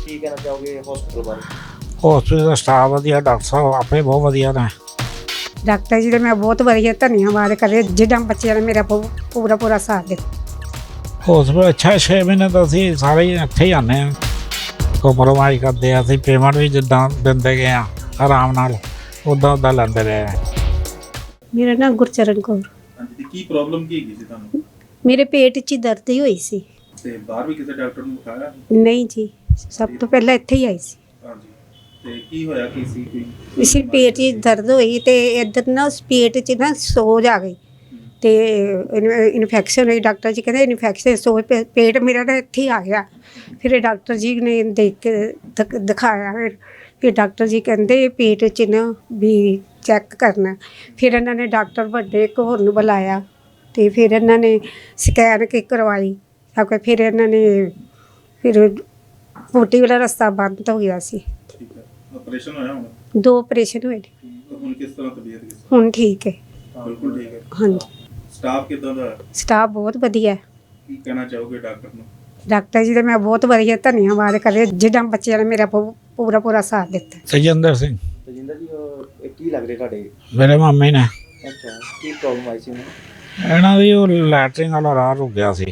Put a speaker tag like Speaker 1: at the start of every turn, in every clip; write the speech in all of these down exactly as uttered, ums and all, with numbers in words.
Speaker 1: ਕੀ ਕਹਿਣਾ ਚਾਹੋਗੇ ਹਸਪੀਟਲ ਬਾਰੇ?
Speaker 2: ਹਸਪੀਟਲ ਦਾ ਸਟਾਫ ਵਧੀਆ, ਡਾਕਟਰ ਸਾਹਿਬ ਆਪੇ ਬਹੁਤ ਵਧੀਆ ਨੇ।
Speaker 3: ਡਾਕਟਰ ਜੀ ਦਾ ਮੈਂ ਬਹੁਤ ਵਧੀਆ ਧੰਨਵਾਦ ਕਰੇ ਜਿੱਦਾਂ ਬੱਚਿਆਂ ਨੇ ਮੇਰਾ ਪੂ- ਪੂਰਾ ਪੂਰਾ ਸਾਥ ਦਿੱਤਾ।
Speaker 2: ਹਸਪੀਟਲ ਅੱਛਾ, ਛੇ ਮਹੀਨੇ ਤਾਂ ਅਸੀਂ ਸਾਰੇ ਹੀ ਇੱਥੇ ਹੀ ਆਉਂਦੇ ਹਾਂ, ਕੰਪਰੋਮਾਈਜ਼ ਕਰਦੇ ਆ। ਅਸੀਂ ਪੇਮੈਂਟ ਵੀ ਜਿੱਦਾਂ ਦਿੰਦੇ ਗਏ ਆ ਆਰਾਮ ਨਾਲ, ਉੱਦਾਂ ਉੱਦਾਂ ਲੈਂਦੇ ਰਹੇ ਆ।
Speaker 3: ਮੇਰਾ ਨਾਮ ਗੁਰਚਰਨ ਕੌਰ।
Speaker 4: ਹਾਂਜੀ, ਤੇ ਕੀ ਪ੍ਰੋਬਲਮ ਕੀ ਹੈਗੀ ਸੀ ਤੁਹਾਨੂੰ?
Speaker 3: ਮੇਰੇ ਪੇਟ 'ਚ ਦਰਦ ਹੀ ਹੋਈ ਸੀ।
Speaker 4: ਤੇ ਬਾਹਰ ਵੀ ਕਿਸੇ ਡਾਕਟਰ ਨੂੰ ਦਿਖਾਇਆ?
Speaker 3: ਨਹੀਂ ਜੀ, ਸਭ ਤੋਂ ਪਹਿਲਾਂ ਇੱਥੇ ਹੀ ਆਈ ਸੀ।
Speaker 4: ਹਾਂਜੀ, ਤੇ ਕੀ ਹੋਇਆ ਕੀ ਸੀ? ਕੋਈ
Speaker 3: ਇਸੇ ਪੇਟ 'ਚ ਦਰਦ ਹੋਈ ਤੇ ਇੱਧਰ ਨਾ ਉਸ ਪੇਟ 'ਚ ਨਾ ਸੋਜ ਆ ਗਈ ਤੇ ਇਨਫੈਕਸ਼ਨ ਹੋਈ। ਡਾਕਟਰ ਜੀ ਕਹਿੰਦੇ ਇਨਫੈਕਸ਼ਨ ਸੋਜ ਪੇ- ਪੇਟ ਮੇਰਾ ਨਾ ਇੱਥੇ ਹੀ ਆ ਗਿਆ। ਫਿਰ ਡਾਕਟਰ ਜੀ ਨੇ ਦੇਖ ਕੇ ਦਿਖ- ਦਿਖਾਇਆ। ਫਿਰ ਫਿਰ ਡਾਕਟਰ ਜੀ ਕਹਿੰਦੇ ਪੇਟ 'ਚ ਨਾ ਵੀ ਚੈੱਕ ਕਰਨਾ। ਫਿਰ ਇਹਨਾਂ ਨੇ ਡਾਕਟਰ ਵੱਡੇ ਇੱਕ ਹੋਰ ਨੂੰ ਬੁਲਾਇਆ ਤੇ ਫਿਰ ਇਹਨਾਂ ਨੇ ਸਕੈਨ ਕੀ ਕਰਵਾਈ। ਤਾਂ ਫਿਰ ਇਹਨਾਂ ਨੇ ਫਿਰ ਪੋਟੀ ਵਾਲਾ ਰਸਤਾ ਬੰਦ ਹੋ ਗਿਆ ਸੀ।
Speaker 4: ਠੀਕ ਹੈ, ਆਪਰੇਸ਼ਨ ਹੋਇਆ ਹੁਣ?
Speaker 3: ਦੋ ਆਪਰੇਸ਼ਨ ਹੋਏ ਨੇ।
Speaker 4: ਤਾਂ ਹੁਣ ਕਿਸ ਤਰ੍ਹਾਂ ਤਬੀਅਤ ਕਿਸ
Speaker 3: ਹੁਣ ਠੀਕ ਹੈ।
Speaker 4: ਤਰ੍ਹਾਂ? ਬਿਲਕੁਲ ਠੀਕ ਹੈ।
Speaker 3: ਹਾਂਜੀ,
Speaker 4: ਸਟਾਫ ਕਿੱਦਾਂ ਦਾ ਹੈ?
Speaker 3: ਸਟਾਫ ਬਹੁਤ ਵਧੀਆ ਹੈ।
Speaker 4: ਕੀ ਕਹਿਣਾ ਚਾਹੋਗੇ ਡਾਕਟਰ ਨੂੰ?
Speaker 3: ਡਾਕਟਰ ਜੀ ਦਾ ਮੈਂ ਬਹੁਤ ਵਧੀਆ ਧੰਨਵਾਦ ਕਰੇ ਜਿੱਦਾਂ ਬੱਚਿਆਂ ਨੇ ਮੇਰਾ ਪੂ- ਪੂਰਾ ਪੂਰਾ ਸਾਥ ਦਿੱਤਾ।
Speaker 2: ਤੇਜਿੰਦਰ ਸਿੰਘ
Speaker 1: ਤਜਿੰਦਰ ਜੀ, ਉਹ ਇਹ ਕੀ ਲੱਗ ਰਿਹਾ ਤੁਹਾਡੇ?
Speaker 2: ਮੇਰੇ ਮਾਮੇ ਨੇ।
Speaker 1: ਅੱਛਾ, ਕੀ ਪ੍ਰੋਬਲਮ ਆਈ ਸੀ ਉਹਨੂੰ?
Speaker 2: ਇਹਨਾਂ ਦੀ ਉਹ ਲੈਟਰਿੰਗ ਵਾਲਾ ਰਾਹ ਰੁਕ ਗਿਆ ਸੀ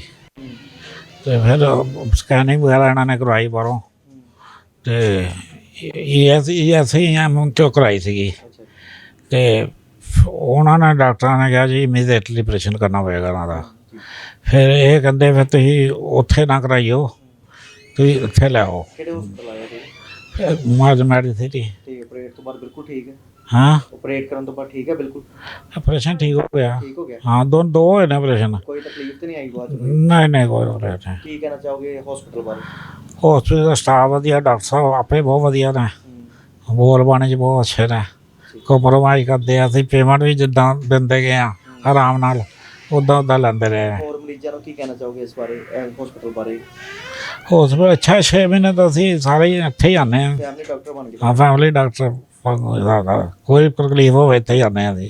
Speaker 2: ਤੇ ਫਿਰ ਸਕੈਨਿੰਗ ਵਗੈਰਾ ਇਹਨਾਂ ਨੇ ਕਰਵਾਈ ਬਾਹਰੋਂ ਤੇ ਇਹ ਐਸੀ ਐਸੀ ਐਮ ਚੋਂ ਕਰਵਾਈ ਸੀਗੀ।
Speaker 1: ਅੱਛਾ,
Speaker 2: ਤੇ ਉਹਨਾਂ ਨੇ ਡਾਕਟਰਾਂ ਨੇ ਕਿਹਾ ਜੀ ਇਮੀਡੀਏਟਲੀ ਆਪਰੇਸ਼ਨ ਕਰਨਾ ਪਏਗਾ ਇਹਨਾਂ ਦਾ। ਫਿਰ ਇਹ ਕਹਿੰਦੇ ਫਿਰ ਤੁਸੀਂ ਉੱਥੇ ਨਾ ਕਰਾਈਓ, ਤੁਸੀਂ ਇੱਥੇ ਲੈ ਆਓ
Speaker 1: ਕਿਹੜੇ ਹਸਪਤਾਲ ਆਏ ਸੀ?
Speaker 2: ਮਾਜ ਮੈਡੀਸਿਟੀ।
Speaker 1: ਤੇ ਆਪਰੇਟ ਤੋਂ ਬਾਅਦ ਬਿਲਕੁਲ ਠੀਕ ਹੈ?
Speaker 2: ਹਾਂ,
Speaker 1: ਆਪਰੇਟ ਕਰਨ ਤੋਂ ਬਾਅਦ ਠੀਕ ਹੈ? ਬਿਲਕੁਲ
Speaker 2: ਆਪਰੇਸ਼ਨ ਠੀਕ ਹੋ ਗਿਆ।
Speaker 1: ਠੀਕ ਹੋ ਗਿਆ?
Speaker 2: ਹਾਂ, ਦੋ ਦੋ ਹੋਏ ਨੇ ਆਪਰੇਸ਼ਨ।
Speaker 1: ਕੋਈ ਤਕਲੀਫ ਤਾਂ ਨਹੀਂ ਆਈ ਬਾਅਦ 'ਚ?
Speaker 2: ਨਹੀਂ ਨਹੀਂ ਕੋਈ ਆਪਰੇਸ਼ਨ ਨਹੀਂ।
Speaker 1: ਕੀ ਕਹਿਣਾ ਚਾਹੋਗੇ ਹਸਪੀਟਲ ਬਾਰੇ?
Speaker 2: ਹਸਪੀਟਲ ਦਾ ਸਟਾਫ ਵਧੀਆ, ਡਾਕਟਰ ਸਾਹਿਬ ਆਪੇ ਬਹੁਤ ਵਧੀਆ ਨੇ।
Speaker 1: ਹੂੰ,
Speaker 2: ਬੋਲ ਬਾਣੀ 'ਚ ਬਹੁਤ ਅੱਛੇ ਨੇ, ਕੰਪਰੋਮਾਈਜ਼ ਕਰਦੇ ਆ। ਅਸੀਂ ਪੇਮੈਂਟ ਵੀ ਜਿੱਦਾਂ ਦਿੰਦੇ ਗਏ ਆ ਆਰਾਮ ਨਾਲ, ਉੱਦਾਂ ਉੱਦਾਂ ਲੈਂਦੇ ਰਹੇ ਆ।
Speaker 1: ਹੋਰ ਮਰੀਜ਼ਾਂ ਨੂੰ ਕੀ ਕਹਿਣਾ ਚਾਹੋਗੇ ਇਸ ਬਾਰੇ, ਹਸਪੀਟਲ ਬਾਰੇ?
Speaker 2: ਹਸਪੀਟਲ ਅੱਛਾ, ਛੇ ਮਹੀਨੇ ਤਾਂ ਅਸੀਂ ਸਾਰੇ ਹੀ ਇੱਥੇ ਹੀ ਆਉਂਦੇ ਹਾਂ।
Speaker 1: ਫੈਮਿਲੀ ਡਾਕਟਰ ਬਣ ਗਏ?
Speaker 2: ਹਾਂ, ਫੈਮਿਲੀ ਡਾਕਟਰ ਕੋਈ ਤਕਲੀਫ ਹੋਵੇ ਇੱਥੇ ਹੀ ਆਉਂਦੇ ਹਾਂ ਅਸੀਂ।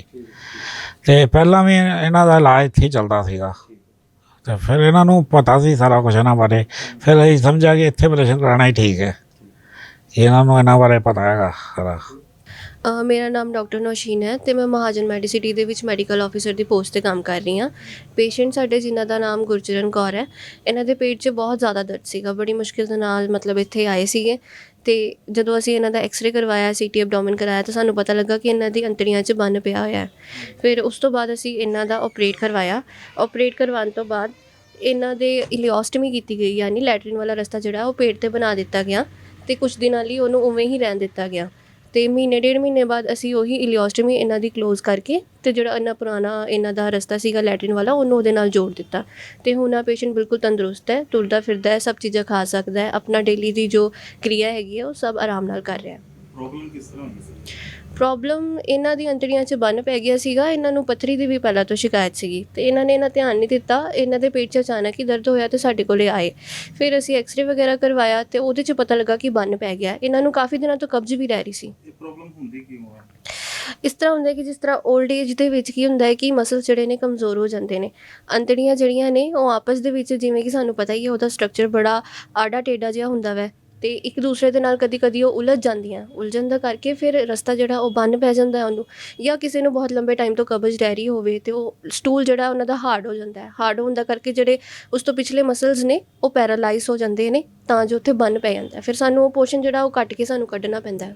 Speaker 2: ਤੇ ਪਹਿਲਾਂ ਵੀ ਇਹਨਾਂ ਦਾ ਇਲਾਜ ਇੱਥੇ ਹੀ ਚੱਲਦਾ ਸੀਗਾ ਤੇ ਫਿਰ ਇਹਨਾਂ ਨੂੰ ਪਤਾ ਸੀ ਸਾਰਾ ਕੁਛ ਇਹਨਾਂ ਬਾਰੇ। ਫਿਰ ਅਸੀਂ ਸਮਝਿਆ ਕਿ ਇੱਥੇ ਆਪਰੇਸ਼ਨ ਕਰਾਉਣਾ ਹੀ ਠੀਕ ਹੈ। ਇਹਨਾਂ ਨੂੰ ਇਹਨਾਂ ਬਾਰੇ ਪਤਾ ਹੈਗਾ ਸਾਰਾ।
Speaker 5: ਅ, ਮੇਰਾ ਨਾਮ ਡਾਕਟਰ ਨੌਸ਼ੀਨ ਹੈ ਅਤੇ ਮੈਂ ਮਹਾਜਨ ਮੈਡੀਸਿਟੀ ਦੇ ਵਿੱਚ ਮੈਡੀਕਲ ਆਫਿਸਰ ਦੀ ਪੋਸਟ 'ਤੇ ਕੰਮ ਕਰ ਰਹੀ ਹਾਂ। ਪੇਸ਼ੈਂਟ ਸਾਡੇ ਜਿਨ੍ਹਾਂ ਦਾ ਨਾਮ ਗੁਰਚਰਨ ਕੌਰ ਹੈ, ਇਹਨਾਂ ਦੇ ਪੇਟ 'ਚ ਬਹੁਤ ਜ਼ਿਆਦਾ ਦਰਦ ਸੀਗਾ। ਬੜੀ ਮੁਸ਼ਕਿਲ ਦੇ ਨਾਲ ਮਤਲਬ ਇੱਥੇ ਆਏ ਸੀਗੇ ਅਤੇ ਜਦੋਂ ਅਸੀਂ ਇਹਨਾਂ ਦਾ ਐਕਸਰੇ ਕਰਵਾਇਆ, ਸੀ ਟੀ ਐਬਡੋਮਨ ਕਰਾਇਆ ਤਾਂ ਸਾਨੂੰ ਪਤਾ ਲੱਗਾ ਕਿ ਇਹਨਾਂ ਦੀ ਅੰਤੜੀਆਂ 'ਚ ਬੰਨ ਪਿਆ ਹੋਇਆ। ਫਿਰ ਉਸ ਤੋਂ ਬਾਅਦ ਅਸੀਂ ਇਹਨਾਂ ਦਾ ਆਪਰੇਟ ਕਰਵਾਇਆ। ਆਪਰੇਟ ਕਰਵਾਉਣ ਤੋਂ ਬਾਅਦ ਇਹਨਾਂ ਦੇ ਇਲੀਓਸਟਮੀ ਕੀਤੀ ਗਈ, ਯਾਨੀ ਲੈਟਰਿਨ ਵਾਲਾ ਰਸਤਾ ਜਿਹੜਾ ਉਹ ਪੇਟ 'ਤੇ ਬਣਾ ਦਿੱਤਾ ਗਿਆ ਅਤੇ ਕੁਛ ਦਿਨਾਂ ਲਈ ਉਹਨੂੰ ਉਵੇਂ ਹੀ ਰਹਿਣ ਦਿੱਤਾ ਗਿਆ। ਅਤੇ ਮਹੀਨੇ ਡੇਢ ਮਹੀਨੇ ਬਾਅਦ ਅਸੀਂ ਉਹੀ ਇਲੀਓਸਟਮੀ ਇਹਨਾਂ ਦੀ ਕਲੋਜ਼ ਕਰਕੇ ਅਤੇ ਜਿਹੜਾ ਇੰਨਾ ਪੁਰਾਣਾ ਇਹਨਾਂ ਦਾ ਰਸਤਾ ਸੀਗਾ ਲੈਟਰਿਨ ਵਾਲਾ, ਉਹਨੂੰ ਉਹਦੇ ਨਾਲ ਜੋੜ ਦਿੱਤਾ। ਅਤੇ ਹੁਣ ਆ ਪੇਸ਼ੈਂਟ ਬਿਲਕੁਲ ਤੰਦਰੁਸਤ ਹੈ, ਤੁਰਦਾ ਫਿਰਦਾ ਹੈ, ਸਭ ਚੀਜ਼ਾਂ ਖਾ ਸਕਦਾ ਹੈ, ਆਪਣਾ ਡੇਲੀ ਦੀ ਜੋ ਕਿਰਿਆ ਹੈਗੀ ਹੈ ਉਹ ਸਭ ਆਰਾਮ ਨਾਲ ਕਰ ਰਿਹਾ।
Speaker 4: ਪ੍ਰੋਬਲਮ ਕਿਸ ਤਰ੍ਹਾਂ ਹੁੰਦੀ ਸੀ?
Speaker 5: ਪ੍ਰੋਬਲਮ ਇਹਨਾਂ ਦੀ ਅੰਤੜੀਆਂ 'ਚ ਬੰਨ ਪੈ ਗਿਆ ਸੀਗਾ। ਇਹਨਾਂ ਨੂੰ ਪੱਥਰੀ ਦੀ ਵੀ ਪਹਿਲਾਂ ਤੋਂ ਸ਼ਿਕਾਇਤ ਸੀਗੀ ਅਤੇ ਇਹਨਾਂ ਨੇ ਇਹਨਾਂ ਧਿਆਨ ਨਹੀਂ ਦਿੱਤਾ। ਇਹਨਾਂ ਦੇ ਪੇਟ 'ਚ ਅਚਾਨਕ ਹੀ ਦਰਦ ਹੋਇਆ ਅਤੇ ਸਾਡੇ ਕੋਲ ਆਏ। ਫਿਰ ਅਸੀਂ ਐਕਸਰੇ ਵਗੈਰਾ ਕਰਵਾਇਆ ਅਤੇ ਉਹਦੇ 'ਚ ਪਤਾ ਲੱਗਾ ਕਿ ਬੰਨ ਪੈ ਗਿਆ। ਇਹਨਾਂ ਨੂੰ ਕਾਫੀ ਦਿਨਾਂ ਤੋਂ ਕਬਜ਼ ਵੀ ਰਹਿ ਰਹੀ ਸੀ।
Speaker 4: ਇਹ ਪ੍ਰੋਬਲਮ ਹੁੰਦੀ ਕਿਉਂ ਹੈ?
Speaker 5: ਇਸ ਤਰ੍ਹਾਂ ਹੁੰਦਾ ਕਿ ਜਿਸ ਤਰ੍ਹਾਂ ਓਲਡ ਏਜ ਦੇ ਵਿੱਚ ਕੀ ਹੁੰਦਾ ਹੈ ਕਿ ਮਸਲਸ ਜਿਹੜੇ ਨੇ ਕਮਜ਼ੋਰ ਹੋ ਜਾਂਦੇ ਨੇ। ਅੰਤੜੀਆਂ ਜਿਹੜੀਆਂ ਨੇ ਉਹ ਆਪਸ ਦੇ ਵਿੱਚ, ਜਿਵੇਂ ਕਿ ਸਾਨੂੰ ਪਤਾ ਹੀ ਹੈ, ਉਹਦਾ ਸਟਰਕਚਰ ਬੜਾ ਆਡਾ ਟੇਡਾ ਜਿਹਾ ਹੁੰਦਾ ਵੈ ਅਤੇ ਇੱਕ ਦੂਸਰੇ ਦੇ ਨਾਲ ਕਦੀ ਕਦੀ ਉਹ ਉਲਝ ਜਾਂਦੀਆਂ। ਉਲਝਣ ਦਾ ਕਰਕੇ ਫਿਰ ਰਸਤਾ ਜਿਹੜਾ ਉਹ ਬੰਨ ਪੈ ਜਾਂਦਾ ਉਹਨੂੰ, ਜਾਂ ਕਿਸੇ ਨੂੰ ਬਹੁਤ ਲੰਬੇ ਟਾਈਮ ਤੋਂ ਕਬਜ਼ ਰਹਿ ਰਹੀ ਹੋਵੇ ਅਤੇ ਉਹ ਸਟੂਲ ਜਿਹੜਾ ਉਹਨਾਂ ਦਾ ਹਾਰਡ ਹੋ ਜਾਂਦਾ ਹੈ। ਹਾਰਡ ਹੋਣ ਦਾ ਕਰਕੇ ਜਿਹੜੇ ਉਸ ਤੋਂ ਪਿਛਲੇ ਮਸਲਸ ਨੇ ਉਹ ਪੈਰਾਲਾਈਜ਼ ਹੋ ਜਾਂਦੇ ਨੇ, ਤਾਂ ਜੋ ਉੱਥੇ ਬੰਨ ਪੈ ਜਾਂਦਾ। ਫਿਰ ਸਾਨੂੰ ਉਹ ਪੋਰਸ਼ਨ ਜਿਹੜਾ ਉਹ ਕੱਟ ਕੇ ਸਾਨੂੰ ਕੱਢਣਾ ਪੈਂਦਾ।